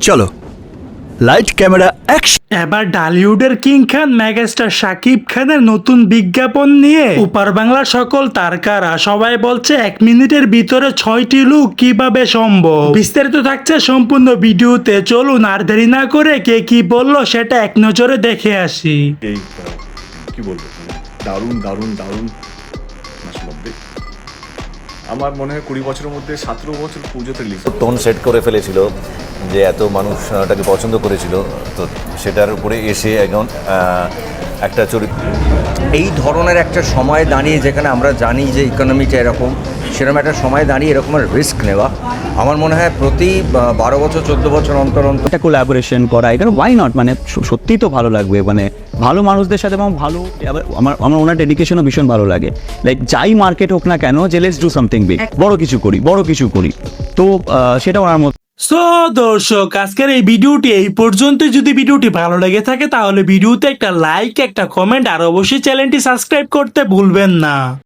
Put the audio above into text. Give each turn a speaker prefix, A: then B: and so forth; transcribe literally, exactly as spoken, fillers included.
A: চলো light camera action.
B: এবার ডালিউডের কিং খান মেগাস্টার শাকিব খানের নতুন বিজ্ঞাপন নিয়ে উপার বাংলার সকল তারকারা সবাই বলছে এক মিনিটের ভিতরে ছয়টি লুক কিভাবে সম্ভব। বিস্তারিত থাকছে সম্পূর্ণ ভিডিওতে, চলুন আর দেরি না করে কে কি বললো সেটা এক নজরে দেখে আসি।
C: এই আহ, কি বলবো মানে দারুণ দারুণ দারুণ মাসলব্বে। আমার মনে হয় কুড়ি বছরের মধ্যে সতেরো বছর পুজোতে রিলিজ।
D: টোন সেট করে ফেলেছিল যে এত মানুষ ওটাকে পছন্দ করেছিল, তো সেটার উপরে এসে একজন আহ, একটা চরিত্র।
E: এই ধরনের একটা সময় দাঁড়িয়ে যেখানে আমরা জানি যে ইকোনমিটা এরকম, সেরকম একটা সময় দাঁড়িয়ে এরকমের রিস্ক নেওয়া আমার মনে হয় প্রতি বা- বারো বছর চোদ্দ বছর অন্তর অন্তর
F: একটা কোলাবোরেশন করা, এটা ওয়াই নট, মানে স- সত্যিই তো ভালো লাগবে, মানে ভালো মানুষদের সাথে এবং ভালো আবার আমার আমার ওনার ডেডিকেশনও ভীষণ ভালো লাগে। লাইক যাই মার্কেট হোক না কেন, যে লেটস ডু সামথিং বিগ, বড় কিছু করি বড় কিছু করি তো আহ, সেটা ওনার মতো।
B: সো দর্শক, আজকের এই ভিডিওটি এই পর্যন্ত। যদি ভিডিওটি ভালো লেগে থাকে তাহলে ভিডিওতে একটা লাইক, একটা কমেন্ট আর অবশ্যই চ্যানেলটি সাবস্ক্রাইব করতে ভুলবেন না।